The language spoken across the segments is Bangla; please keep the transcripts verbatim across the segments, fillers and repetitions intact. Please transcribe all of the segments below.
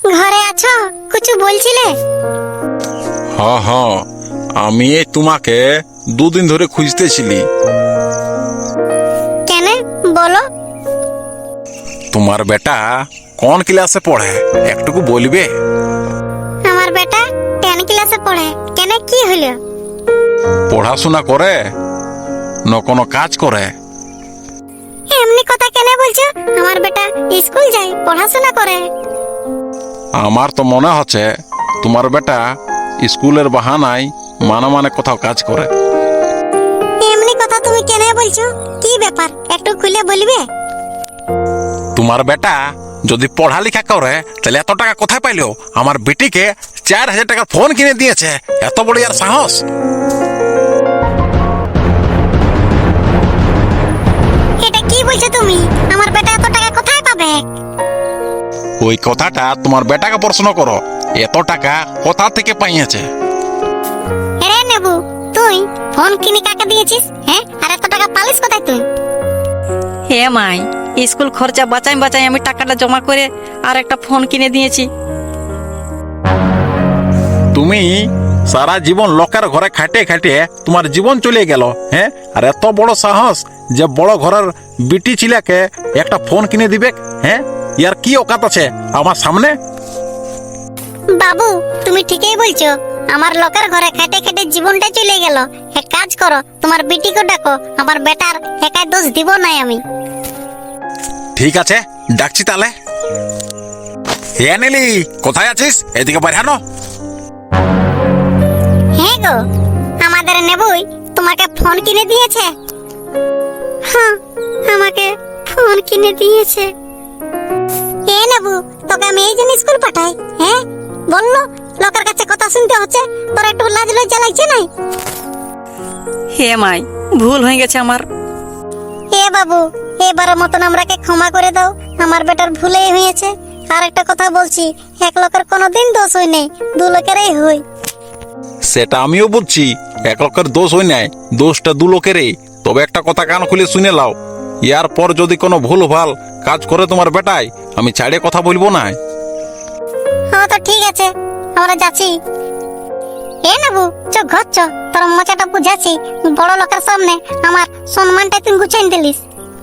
ঘরে আছো? কিছু বলছিলে? হ্যাঁ হ্যাঁ, আমি এই তোমাকে দুদিন ধরে খুঁজতেছিলি। কেন বলো? তোমার বেটা কোন ক্লাসে পড়ে একটুকু বলবে? আমার বেটা টেন ক্লাসে পড়ে। কেন, কি হলো? পড়াশোনা করে না কোনো কাজ করে? এমনি কথা কেন বলছো? আমার বেটা স্কুল যায়, পড়াশোনা করে। আমার তো মনে হচ্ছে তোমার বেটা স্কুলের বাহানায় মানে মানে কোথাও কাজ করে। এমনি কথা তুমি কেন বলছো? কি ব্যাপার একটু খুলে বলবে? তোমার বেটা যদি পড়ালেখা করে তাহলে এত টাকা কোথায় পাইলো? আমার বেটিকে চার হাজার টাকার ফোন কিনে দিয়েছে, এত বড় আর সাহস! এটা কি বলছো তুমি? আমার বেটা এত টাকা কোথায় পাবে? ওই কথাটা তোমার বেটাকে প্রশ্ন করো, এত টাকা কোথা থেকে পাইয়েছে। রে নেবু, তুই ফোন কিনে কাকে দিয়েছিস? হ্যাঁ, আর এত টাকা পালিস কোথায় তুই? হে মাই, স্কুল খরচা বাঁচাই বাঁচাই আমি টাকাটা জমা করে আর একটা ফোন কিনে দিয়েছি। তুমি সারা জীবন লোকের ঘরে খাটিয়ে খাটিয়ে তোমার জীবন চলে গেল, হ্যাঁ? আর এত বড় সাহস যে বড় ঘরের বিটি ছিলাকে একটা ফোন কিনে দিবে, হ্যাঁ? ইয়ার কি অকাত আছে আমার সামনে? বাবু, তুমি ঠিকই বলছো। আমার লোকের ঘরে খেটে খেটে জীবনটা চলে গেল। এক কাজ করো, তোমার বিটিকে ডাকো। আমার বেটার একাই দোষ দিব নাই আমি। ঠিক আছে, ডাকছি তাহলে। হে নীলি, কোথায় আছিস? এদিকে পাঠানো। হ্যাঁ গো, আমাদের নেবুই তোমাকে ফোন কিনে দিয়েছে। হ্যাঁ, আমাকে ফোন কিনে দিয়েছে। এ নেবু, তোকে আমি এই জন্য স্কুল পাঠাই, হ্যাঁ? বললো লোকের কাছে কথা শুনতে হচ্ছে, তোর একটু লাজ লজ্জা লাগছে নাই? হে মাই, ভুল হয়ে গেছে আমার। এ বাবু, এবারের মতন আমরাকে ক্ষমা করে দাও। আমার বেটার ভুলেই হয়েছে। আর একটা কথা বলছি, এক লোকের কোনোদিন দোষ হয় নাই, দু লোকেরই হয়। সেটা আমিও বুঝছি, এক লোকের দোষ হয় নাই, দোষটা দু লোকেরই। তবে একটা কথা কান খুলে শুনে লাও, ইয়ার পর যদি কোনো ভুল ভাল কাজ করে তোমার বেটাই, আমি ছাড়ে কথা বলবো না। হ্যাঁ তো ঠিক আছে, আমরা যাচ্ছি। এ নেবু, চ ঘর চ, তোর মজাটা বুঝাচ্ছি। বড় লোকের সামনে আমার সম্মানটা তুই গুছাই দিলিস।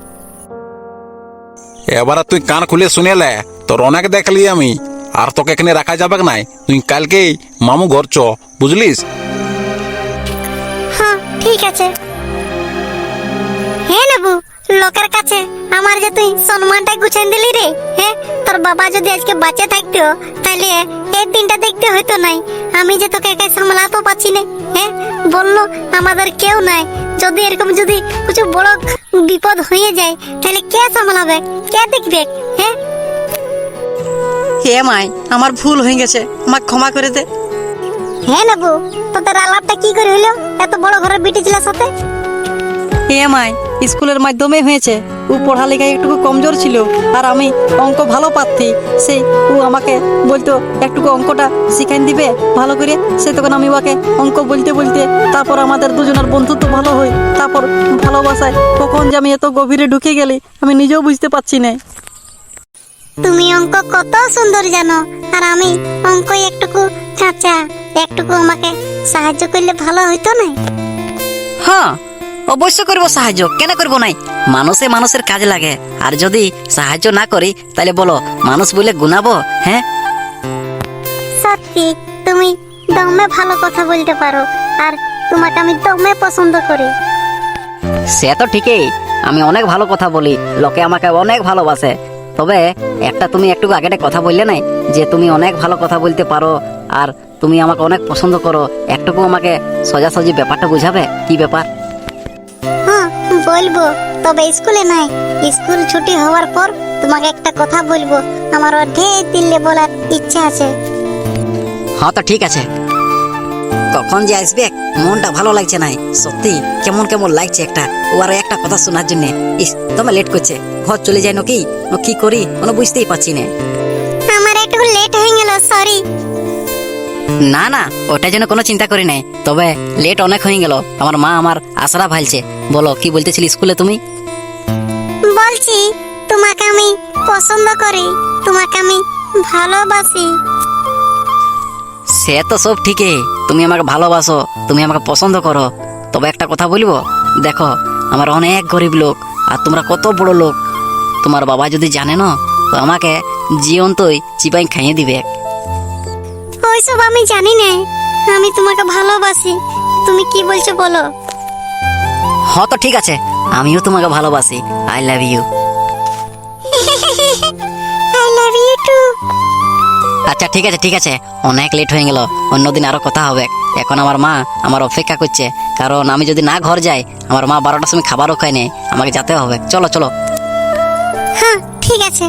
এবার তুই কান খুলে শুনে লে, তোর অনেক দেখলি আমি, আর তোকে এখানে রাখা যাবে নাই। তুই কালকেই মামু ঘর চ, বুঝলিস? হ্যাঁ ঠিক আছে। হে নেবু, লোকের কাছে আমার যে তুই সম্মানটা গুছাই দিলি রে, হ্যাঁ? তোর বাবা যদি আজকে বাঁচে থাকতো তাহলে এই দিনটা দেখতে হইতো নাই। আমি যে তোকে একাই সামলাতে পারছি না, হ্যাঁ? বললো আমাদের কেউ নাই, যদি এরকম যদি কিছু বড় বিপদ হয়ে যায় তাহলে কে সামলাবে, কে দেখবে, হ্যাঁ? হে মাই, আমার ভুল হয়ে গেছে, আমাকে ক্ষমা করে দে। হ্যাঁ নেবু, তোদের আলাপটা কি করে হইলো এত বড় ঘরের বিটি ছিলার সাথে? হে মাই, স্কুলের মাধ্যমে হয়েছে। ও পড়ালেখায় একটু কমজোর ছিল, আর আমি অঙ্ক ভালো পারতি। সেই ও আমাকে বলতো একটু অঙ্কটা শিখাই দিবে ভালো করে। সে তখন আমি ওকে অঙ্ক বলতে বলতে তারপর আমাদের দুজনের বন্ধুত্ব ভালো হয়। তারপর ভালোবাসায় কখন যে আমি এত গভীরে ঢুকে গেলি আমি নিজেও বুঝতে পারছি না। তুমি অঙ্ক কত সুন্দর জানো, আর আমি অঙ্ক একটুকু কাঁচা। একটুকু আমাকে সাহায্য করলে ভালো হইতো না? হ্যাঁ, অবশ্য করবো সাহায্য, কেন করবো নাই? মানুষে মানুষের কাজে লাগে, আর যদি সাহায্য না করি তাহলে বলো মানুষ বলে গুনাবো? হ্যাঁ, সত্যি তুমি দমে ভালো কথা বলতে পারো, আর তোমাকে আমি দমে পছন্দ করি। সে তো ঠিকই, আমি অনেক ভালো কথা বলি, লোকে আমাকে অনেক ভালোবাসে। তবে একটা তুমি একটু আগে কথা বললে নাই যে তুমি অনেক ভালো কথা বলতে পারো আর তুমি আমাকে অনেক পছন্দ করো। একটুকু আমাকে সোজাসুজি ব্যাপারটা বুঝাবে, কি ব্যাপার? হ্যাঁ বলবো, তবে স্কুলে নাই। স্কুল ছুটি হওয়ার পর তোমাকে একটা কথা বলবো, আমার অর্ধেক দিলে বলার ইচ্ছা আছে। হ্যাঁ তো ঠিক আছে। কখন যে আসবে, মনটা ভালো লাগছে নাই, সত্যি কেমন কেমন লাগছে একটা ওর একটা কথা শোনার জন্য। ইস, তোমার লেট করছে, ঘর চলে যায় নাকি কি করি কোনো বুঝতেই পারছি না। আমার একটু লেট হয়ে গেল, সরি। না না, ওটা যেন কোনো চিন্তা করি নাই, তবে লেট অনেক হয়ে গেল। আমার মা আমার আশারা ভালছে। বলো কি বলতেছিলি স্কুলে তুমি? বলছি তোমাকে আমি পছন্দ করি, তোমাকে আমি ভালোবাসি। সে তো সব ঠিকই, তুমি আমাকে ভালোবাসো, তুমি আমাকে পছন্দ করো, তবে একটা কথা বলবো, দেখো আমার অনেক গরিব লোক আর তোমরা কত বড় লোক। তোমার বাবা যদি জানে না তো আমাকে জীবন্তই চিপাই খাইয়ে দিবে। ওইসব আমি জানি না, আমি তোমাকে ভালোবাসি। তুমি কি বলছো বলো? হ্যাঁ তো ঠিক আছে, আমিও তোমাকে ভালোবাসি। I love you. I love you too. আচ্ছা ঠিক আছে ঠিক আছে, অনেক লেট হয়ে গেল, অন্যদিন আরো কথা হবে। এখন আমার মা আমার অপেক্ষা করছে, কারণ আমি যদি না ঘর যাই আমার মা বারোটার সময় খাবারও খায় নেই, আমাকে যেতে হবে। চলো চলো। হ্যাঁ ঠিক আছে।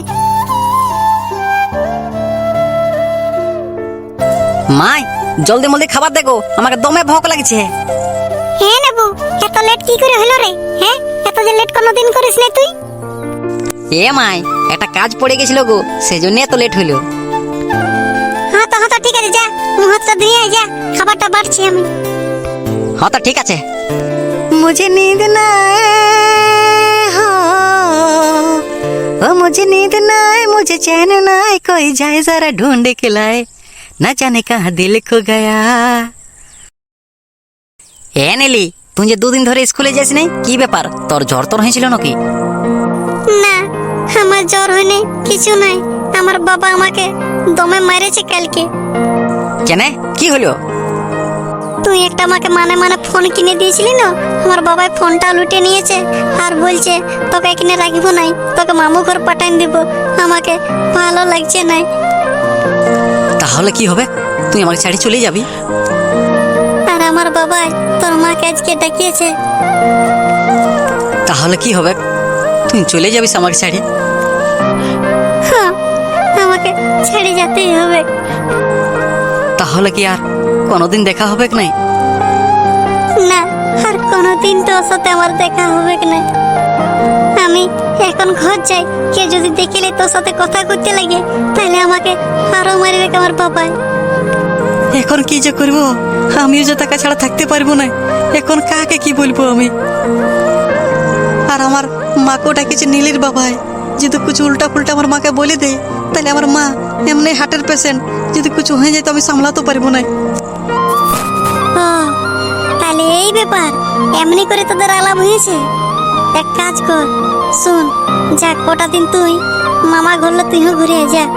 মাই জলদি মলদি খাবার দেখো, আমাকে দমে ভোক লাগছে। হ্যাঁ নেবু, এত লেট কি করে হলো রে? হ্যাঁ, এত যে লেট কোনোদিন করিস না তুই। এ মাই একটা কাজ পড়ে গেছিল গো, সেজন্য এত লেট হইলো। হ্যাঁ তো হ্যাঁ তো ঠিক আছে, যা মুহূর্তটা দিয়ে আয়, যা খাবারটা বাড়ছি আমি। হ্যাঁ তো ঠিক আছে। मुझे नींद ना आए हो, ओ मुझे नींद ना आए, मुझे चैन ना आए, कोई जाए जरा ढूंढ के लाए, ना जाने कहाँ दिल खो गया। এ নেলি, তুই যে দুদিন ধরে স্কুলে যাস নাই, কি ব্যাপার? তোর জ্বর তোর হয়েছিল নাকি? না, আমার জ্বর হয়নি, কিছু নাই। আমার বাবা আমাকে দমে মেরেছে কালকে। কেন, কি হলো? তুই একটা আমাকে মানে মানে ফোন কিনে দিয়েছিলি না, আমার বাবাই ফোনটা লুটে নিয়েছে আর বলছে তোকে এখানে রাখবো নাই, তোকে মামু ঘর পাঠান দিব। আমাকে ভালো লাগছে নাই। তাহলে কি হবে? তুই আমাকে ছাড়ি চলে যাবি? আর আমার বাবাই তোর মাকে আজকে ডাকিয়েছে। তাহলে কি হবে? তুই চলে যাবিস আমাকে ছাড়ি? হ্যাঁ, আমাকে ছেড়ে যেতেই হবে। তাহলে কি আর কোনোদিন দেখা হবে কি নাই? না, আর কোনোদিন তোর সাথে আমার দেখা হবে কি না। আমি এখন ঘর যাই, কে যদি দেখিলে তোর সাথে কথা করতে লাগে তাহলে আমাকে আরো মারবে আমার বাবাই। এখন কি যে করব, আমিও যে টাকা ছাড়া থাকতে পারবো না। এখন কাকে কি বলবো আমি? আর আমার মাকেও ডাকেছে নীলির বাবাই, যদি কিছু উল্টা ফুলটা আমার মাকে বলে দেয় তাহলে আমার মা এমনি হার্টের পেশেন্ট, যদি কিছু হয়ে যায় তো আমি সামলাতে পারবো না। ও, তাহলে এই ব্যাপার, এমনি করে তোদের আলাপ হয়েছে। এক কাজ কর, শুন, যা কটা দিন তুই মামা ঘুরলো, তুইও ঘুরে আয়, যা।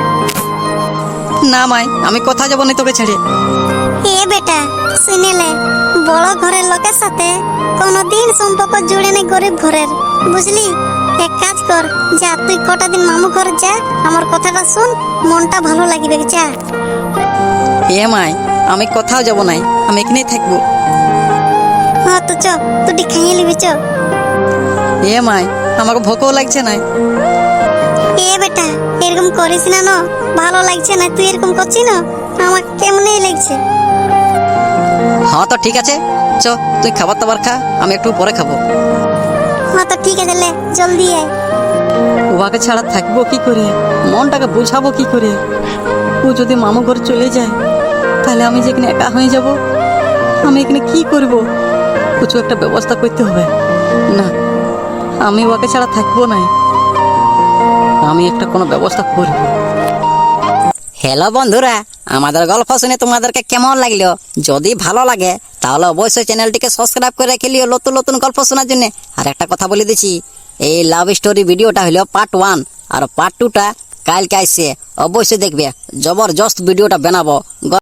না মাই, আমি কথা যাবো না তোকে ছেড়ে। এ বেটা, শুনেলে বড় ঘরের লোকের সাথে কোনোদিন সম্পর্ক জুড়ে নেই গরিব ঘরের, বুঝলি? এক কাজ কর, যা তুই কটা দিন মামু ঘর যা, আমার কথাটা শুন, মনটা ভালো লাগবে, যা। এ মাই, আমি কোথাও যাবো না, আমি এখানেই থাকবো। হ্যাঁ তো চ, তুই খাইয়ে নিবি, চ। এ মাই, আমাকে ভোকও লাগছে না। এ বেটা, এরকম করিস না, না ভালো লাগছে না, তুই এরকম করছিস না, আমার কেমনই লাগছে। হ্যাঁ তো ঠিক আছে, চ তুই খাবার দাবার খা, আমি একটু পরে খাবো। হ্যাঁ তো ঠিক আছে, লে জলদি আয়। ওকে ছাড়া থাকবো কি করে, মনটাকে বোঝাবো কি করে? ও যদি মামু ঘর চলে যায় তাহলে আমি যেখানে একা হয়ে যাব, আমি এখানে কি করব? কিছু একটা ব্যবস্থা করতে হবে। না, আমি ওকে ছাড়া থাকবো না, আমি একটা কোনো ব্যবস্থা করব। হ্যালো বন্ধুরা, আমাদের গল্প শুনে তোমাদেরকে কেমন লাগলো? যদি ভালো লাগে তাহলে অবশ্যই চ্যানেলটিকে সাবস্ক্রাইব করে রেখে লিও নতুন নতুন গল্প শোনার জন্য। আর একটা কথা বলে দিচ্ছি, এই লাভ স্টোরি ভিডিওটা হলো পার্ট ওয়ান, আর পার্ট টুটা কালকে আসছে, অবশ্যই দেখবে। জবরদস্ত ভিডিওটা বানাবো।